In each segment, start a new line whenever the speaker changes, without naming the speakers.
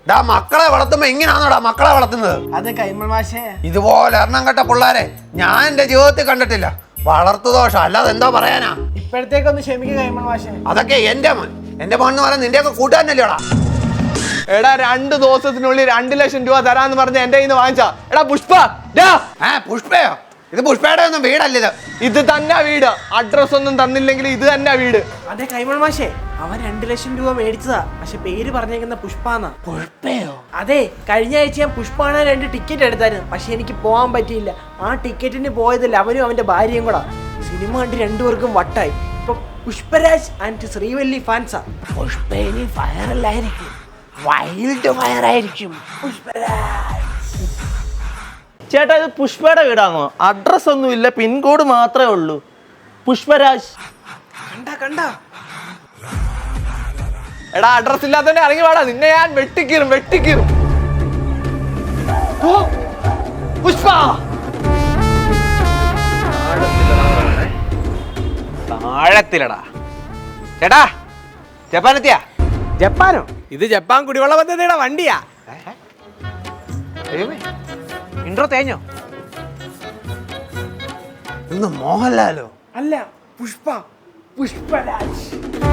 മക്കളെ വളർത്തുമ്പോ ഇങ്ങനെയാണോടാ മക്കളെ വളർത്തുന്നത്?
അത് കൈമൾ മാഷേ,
ഇതുപോലെ എണ്ണം കെട്ട പിള്ളേരെ ഞാൻ എന്റെ ജീവിതത്തിൽ കണ്ടിട്ടില്ല. വളർത്തു ദോഷം അല്ലാതെ എന്താ പറയാനാ?
ഇപ്പോഴത്തേക്കൊന്ന് ക്ഷമിക്കുക കൈമൾ മാഷേ.
അതൊക്കെ എന്റെ മോൻ എന്ന് പറയാൻ നിന്റെയൊക്കെ കൂട്ടാനല്ലേടാ.
എടാ 2 ദിവസത്തിനുള്ളിൽ 2 ലക്ഷം രൂപ തരാന്ന് പറഞ്ഞ എന്റെ കയ്യിൽ നിന്ന് വാങ്ങിച്ചാ. എടാ പുഷ്പ,
പുഷ്പയോ? ഇത് പുഷ്പയുടെ ഒന്നും വീടല്ല.
ഇത് തന്നെ വീട്. അഡ്രസ് ഒന്നും തന്നില്ലെങ്കിൽ ഇത് തന്നെ വീട്.
അതെ കൈമൾ മാഷേ, അവൻ 2 ലക്ഷം രൂപ മേടിച്ചതാ. പക്ഷെ പേര് പറഞ്ഞേക്കുന്ന പുഷ്പാന്നാ.
പുഷ്പയോ?
അതെ, കഴിഞ്ഞ ആഴ്ച ഞാൻ പുഷ്പാണ് 2 ടിക്കറ്റ് എടുത്തായിരുന്നു. പക്ഷെ എനിക്ക് പോകാൻ പറ്റിയില്ല. ആ ടിക്കറ്റിന് പോയതില്ല അവനും അവന്റെ ഭാര്യയും കൂടാ. സിനിമ കണ്ട് 2 പേർക്കും വട്ടായി. ഇപ്പൊ പുഷ്പരാജ് ആൻഡ് ശ്രീവല്ലി ഫാൻസാ.
പുഷ്പ ഇനി ഫയറല്ലായിരിക്കും, വൈൽഡ് ഫയർ ആയിരിക്കും.
ചേട്ടാ ഇത് പുഷ്പയുടെ വീടാണോ? അഡ്രസ് ഒന്നുമില്ല, പിൻകോഡ് മാത്രമേ ഉള്ളൂ. പുഷ്പരാജ്.
കണ്ട
എടാ അഡ്രസ് ഇല്ലാത്തന്നെ ഇറങ്ങി വേടാ, നിന്നെ ഞാൻ വെട്ടിക്കീറും. പുഷ്പ താഴത്തിലടാ. ചേട്ടാ ജപ്പാനെത്തിയാ?
ജപ്പാനോ? ഇത് ജപ്പാൻ കുടിവെള്ള പദ്ധതിയുടെ വണ്ടിയാ.
ഇൻട്രോ തേഞ്ഞോ?
ഇന്ന് മോഹൻലാലോ?
അല്ല, പുഷ്പരാജ്.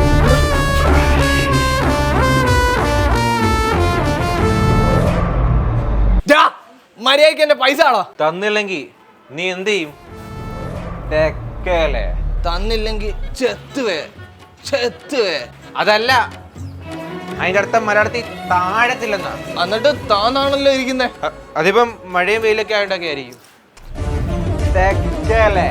മര്യാദക്ക് എന്റെ പൈസ ആണോ?
തന്നില്ലെങ്കിൽ നീ എന്ത് ചെയ്യും? തെക്കല്ലേ?
തന്നില്ലെങ്കിൽ ചെത്തുവേ.
അതല്ല, അതിന്റെ അർത്ഥം മലയാളത്തിൽ താഴത്തില്ലെന്നാ.
എന്നിട്ട് താനാണല്ലോ ഇരിക്കുന്നേ.
അതിപ്പം മഴയും വെയിലൊക്കെ ആയിട്ടൊക്കെ ആയിരിക്കും. തെക്കല്ലേ?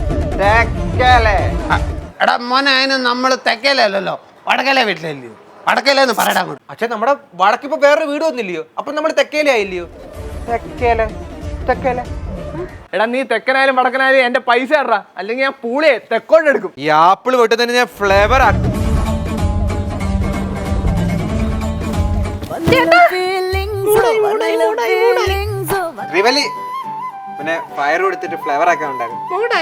എടാ മോനെ, അതിന് നമ്മള് തെക്കേലല്ലോ, വടക്കലെ വീട്ടിലല്ലയോ? വടക്കലെന്ന് പറയടാ.
പക്ഷെ നമ്മുടെ വടക്കിപ്പോ വേറൊരു വീട് വന്നില്ലയോ? അപ്പൊ നമ്മൾ തെക്കേലെ ആയില്ലയോ? തെക്കേലെ.
എടാ നീ തെക്കനായാലും വടക്കനായാലും എന്റെ പൈസ ഇടറാ, അല്ലെങ്കിൽ ഞാൻ പൂളിയെ തെക്കോട്ട് എടുക്കും.
ഈ ആപ്പിൾ വെട്ടുന്നതിന് ഞാൻ ഫ്ലേവർ ആക്കും. റിവലി പിന്നെ ഫയർ കൊടുത്തിട്ട് ഫ്ലേവർ ആക്കാൻ ഉണ്ടാകും.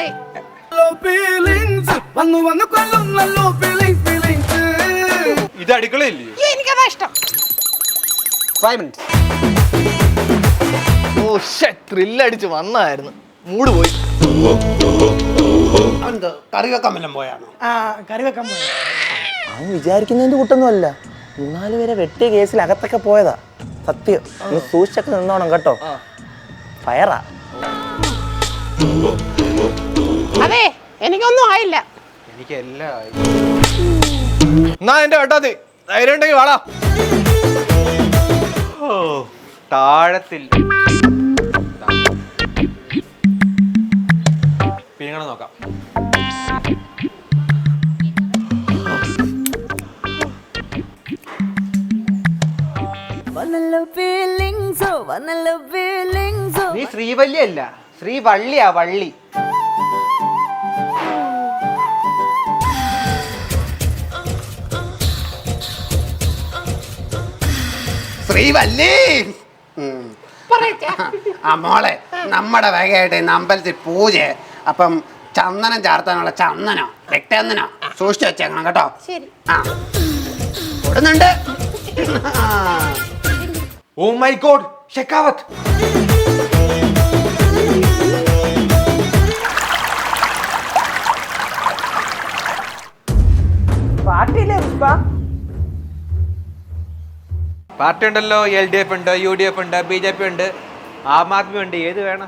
ഇത് അടുക്കളയില്ലയോ?
എനിക്കതാ ഇഷ്ടം.
5 minutes.
ഓ ത്രില്ലടിച്ച് വന്നായിരുന്നു, മൂട് പോയി.
അവനെന്തോ കറി വെക്കാൻ വല്ലതും പോയാണോ?
കറി വെക്കാൻ പോയി.
അവൻ വിചാരിക്കുന്നതിന്റെ കൂട്ടൊന്നുമല്ല. 3-4 പേരെ വെട്ടിയ കേസിൽ അകത്തൊക്കെ പോയതാ. സത്യം. ഒന്ന് സൂക്ഷിച്ചൊക്കെ നിന്നോണം കേട്ടോ. ഫയറാ.
അതെ, എനിക്കൊന്നും ആയില്ല.
എനിക്ക് എല്ലാം ആയി.
എന്നാ എന്റെ വെട്ടാത്തി ധൈര്യം ഉണ്ടെങ്കിൽ വാടാ.
താഴത്തിൽ പിന്നീട് നോക്കാം. നീ ശ്രീവല്ലി അല്ല, ശ്രീവള്ളിയാ, വള്ളി.
ശ്രീവല്ലി. ആ മോളെ, നമ്മുടെ വകയായിട്ട് ഇന്ന് അമ്പലത്തിൽ പൂജ. അപ്പം ചന്ദനം ചാർത്താനുള്ള ചന്ദനോ രക്തചന്ദനോ സൂക്ഷിച്ചു വെച്ചേക്കണം കേട്ടോ.
ശരി.
ആ കൊടുന്നുണ്ട്.
Oh my God, Shekhawat. Party ഉണ്ടല്ലോ, LDF ഉണ്ട്, UDF ഉണ്ട്, BJP ഉണ്ട്, ആം ആദ്മി ഉണ്ട്. ഏത് വേണം?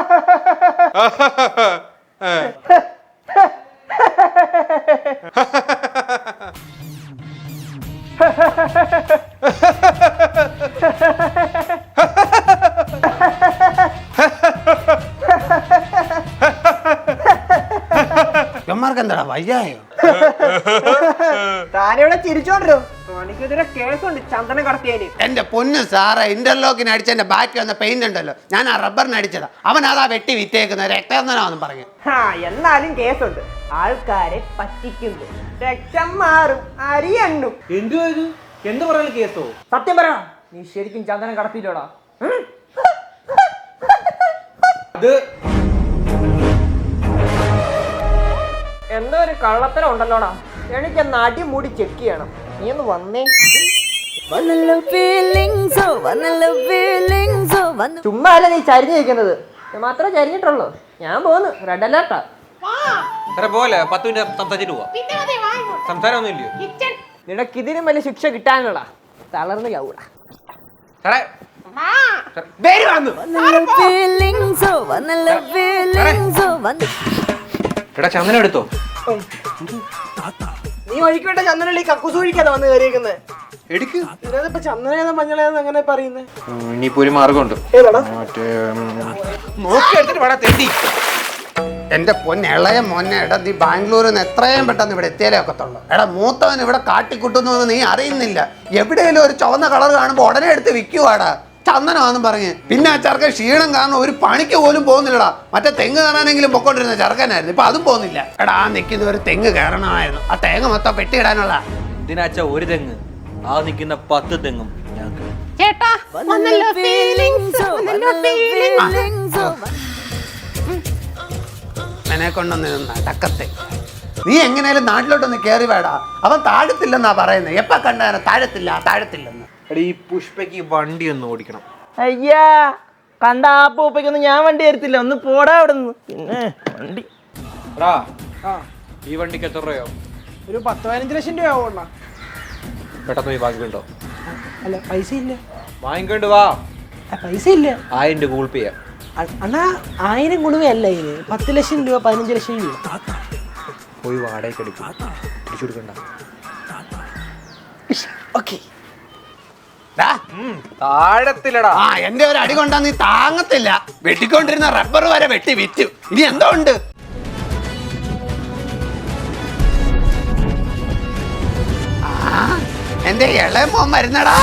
ഇവന്മാർക്ക് എന്താടാ വയ്യായോ?
താനിവിടെ ചിരിച്ചോണ്ടോ? എനിക്കെതിരെ കേസുണ്ട് ചന്ദനം കടത്തിയാല്.
എന്റെ പൊന്ന് സാറേ, ഇന്റർലോക്കിന് അടിച്ച എന്റെ ബാക്കി വന്ന പെയിന്റ് ഉണ്ടല്ലോ, ഞാൻ ആ റബ്ബറിന് അടിച്ചതാ. അവൻ അതാ വെട്ടി വിറ്റേക്കുന്ന രക്തചന്ദനാന്നും പറഞ്ഞു.
എന്നാലും കേസുണ്ട്. ആൾക്കാരെ പറ്റിക്കുന്നു. രക്തം മാറും, അരിയണ്ണും.
എന്ത് പറയാൻ കേസോ?
സത്യം പറ, നീ ശരിക്കും ചന്ദനം കടത്തിയില്ലോടാ? എന്തോ ഒരു കള്ളത്തരം ഉണ്ടല്ലോടാ. എനിക്കെന്ന് അടിമുടി ചെക്ക് ചെയ്യണം. നീ ഒന്ന് വന്നേ. ചുമ്മാ അല്ല നീ ചരിഞ്ഞിരിക്കുന്നത്, മാത്രമേ ചരിഞ്ഞിട്ടുള്ളൂ. ഞാൻ പോന്നു, റെഡ് അലേർട്ടാ.
സാറേ പോലെ 10 മിനിറ്റ് സംസാരിച്ചിട്ട് പോവാ. സംസാരം ഒന്നും ഇല്ലയോ
നിനക്ക് ഇതിനും വലിയ ശിക്ഷ കിട്ടാനുള്ള തളർന്നു ചാവൂടാ.
സാറേ എടാ ചന്ദനം എടുത്തോ.
നീ ഒഴിക്കട്ടെ ചന്ദനള്ളി കക്കൂസ് ഒഴിക്കാതെ വന്ന് കയറിയിരിക്കുന്നത്.
എടുക്ക്.
ഇതിനകത്തിപ്പോ ചന്ദനേതാ മഞ്ഞളേതാ അങ്ങനെ പറയുന്നത്?
ഇനിയിപ്പോ ഒരു മാർഗമുണ്ട്.
ഏതാടാ?
നോക്കി എടുത്തിട്ട് വേണം തെണ്ടി.
എന്റെ പൊന്നെ ഇളയ മോനെ, എടാ നീ ബാംഗ്ലൂരിൽ നിന്ന് എത്രയും പെട്ടെന്ന് ഇവിടെ എത്തിയാലേ ഒക്കത്തുള്ളൂ. എടാ മൂത്തവൻ ഇവിടെ കാട്ടിക്കുട്ടുന്നു എന്ന് നീ അറിയുന്നില്ല. എവിടെയെങ്കിലും ഒരു ചുവന്ന കളർ കാണുമ്പോൾ ഉടനെ എടുത്ത് വിൽക്കുവാടാ, ചന്ദനമാണെന്നും പറഞ്ഞ്. പിന്നെ ആ ചെറുക്കൻ ക്ഷീണം കാരണം ഒരു പണിക്ക് പോലും പോകുന്നില്ലടാ. മറ്റേ തെങ്ങ് കയറാനെങ്കിലും പൊക്കോണ്ടിരുന്ന ചെറുക്കനായിരുന്നു, ഇപ്പൊ അതും പോകുന്നില്ല. എടാ ആ നിൽക്കുന്ന ഒരു തെങ്ങ് കയറണമായിരുന്നു, ആ തേങ്ങ മൊത്തം പെട്ടിയിടാനുള്ള.
ഇതിനാച്ച ഒരു തെങ്ങ്, ആ നിൽക്കുന്ന 10 തെങ്ങും ഞങ്ങൾക്ക്.
ചേട്ടാ വന്നല്ലോ ഫീലിങ്സ്, വന്നല്ലോ ഫീലിങ്സ്.
എന്നെ കൊണ്ടൊന്ന് നടക്കത്തെ. നീ എങ്ങനെയാലും നാട്ടിലോട്ടൊന്ന് കയറി വേടാ. അവൻ താഴത്തില്ലെന്നാ പറയുന്നത്. എപ്പ കണ്ടാലും താഴത്തില്ലെന്ന്.
എടാ ഈ പുഷ്പയ്ക്ക് വണ്ടി ഒന്ന് ഓടിക്കണം.
അയ്യാ, കണ്ട ആ പൂപ്പയ്ക്കൊന്നും ഞാൻ വണ്ടി തരത്തില്ല. ഒന്ന് പോടാ അവിടെ നിന്ന്. പിന്നെ വണ്ടി
എടാ ഈ വണ്ടിക്ക് എത്ര രൂപയോ?
ഒരു 10-15 ലക്ഷം രൂപ ആവണ.
പെട്ടെന്ന് പോയി വാങ്ങിക്കണ്ടോ?
അല്ല പൈസ ഇല്ല.
വാങ്ങിക്കൊണ്ട് വാ.
പൈസ ഇല്ല.
1000 രൂപ ഗൂഗിൾ പേ ചെയ്യാം.
അണ്ണാ 1000 ഗുണമല്ല ഇതിന്. 10 ലക്ഷം രൂപ 15 ലക്ഷം രൂപ.
പോയി വാടകയ്ക്ക് എടുക്കും, പിടിച്ചു കൊടുക്കണ്ട.
ഓക്കെ.
താഴത്തിലടാ.
ആ എന്റെ ഒരു അടി കൊണ്ടാ നീ താങ്ങത്തില്ല. വെട്ടിക്കൊണ്ടിരുന്ന റബ്ബർ വരെ വെട്ടി വിറ്റു. ഇനി എന്തോ ഉണ്ട്? എന്റെ ഇളയ മോൻ വരുന്നടാ.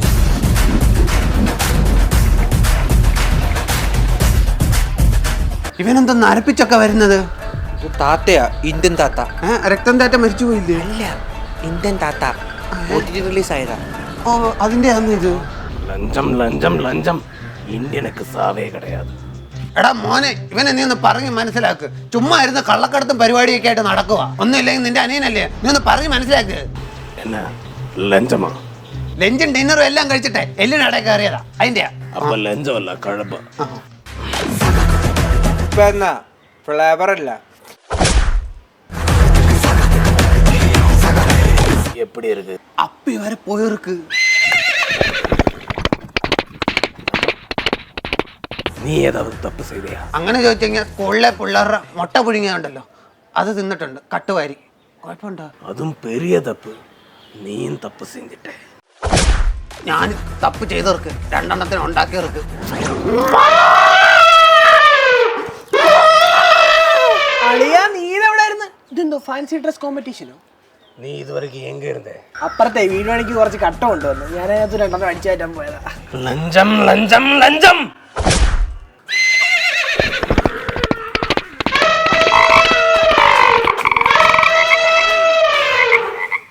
ഇവനെന്തൊന്ന് അരപ്പിച്ചൊക്കെ വരുന്നത്?
താത്തയാ, ഇന്ത്യൻ താത്ത.
രക്തം താറ്റ മരിച്ചു പോയില്ലേ?
ഇല്ല, ഇന്ത്യൻ താത്ത റിലീസ് ആയതാ.
ഓ അതിന്റെ ആന്ന് ഇത്.
ലഞ്ചം ഇന്ത്യനക്ക് സാവേ കിടയാത്.
എടാ മോനെ, ഇവനെ നീ ഒന്ന് പറഞ്ഞ് മനസ്സിലാക്ക്. ചുമ്മാ ഇരുന്ന് കള്ളക്കടത്തും പരിപാടിയൊക്കെ ആയിട്ട് നടക്കുക. ഒന്നും ഇല്ലെങ്കിൽ നിന്റെ അനിയനല്ലേ, നീ ഒന്ന് പറഞ്ഞ് മനസ്സിലാക്ക്.
എന്നാ ലഞ്ചമാ?
ലഞ്ചും ഡിന്നറും എല്ലാം കഴിച്ചിട്ടെ എല്ലിനടയിൽ കയറിയതാ അതിന്റെ.
അപ്പൊ ലഞ്ചമല്ല, കഴമ്പ.
ഇപ്പൊ എന്നാ ഫ്ലേവർ അല്ല.
എപ്പടി ഇருக்கு?
അപ്പി വരെ പോയിருக்கு.
നീ ഏതാவது തപ്പ് ചെയ്തയാ?
അങ്ങനെ ചോദിച്ചു കഴിഞ്ഞാൽ സ്കൂളിലെ പിള്ളേരുടെ മുട്ട പുഴുങ്ങിയുണ്ടല്ലോ, അത് തിന്നിട്ടുണ്ട്. കട്ടുവാരി കുഴപ്പമുണ്ടോ?
അതും പെരിയ തപ്പ്. നീയും തപ്പ് ചെയ്തിട്ടേ.
ഞാൻ തപ്പ് ചെയ്തവർക്ക് 2 എണ്ണത്തിന് ഉണ്ടാക്കിയവർക്ക്.
അളിയാ നീ ഇതെവിടായിരുന്നു? ഇതെന്തോ ഫാൻസി ഡ്രസ് കോമ്പറ്റീഷനോ?
നീ ഇതുവരെയ്ക്ക് എങ്ക ഇരുന്നേ?
അപ്പുറത്തെ വീട് പണിക്ക് കുറച്ച് കട്ട കൊണ്ടുവന്നു, ഞാൻ അതിനകത്ത് 2 എണ്ണം അടിച്ചു കയറ്റാൻ പോയതാ.
ലഞ്ചം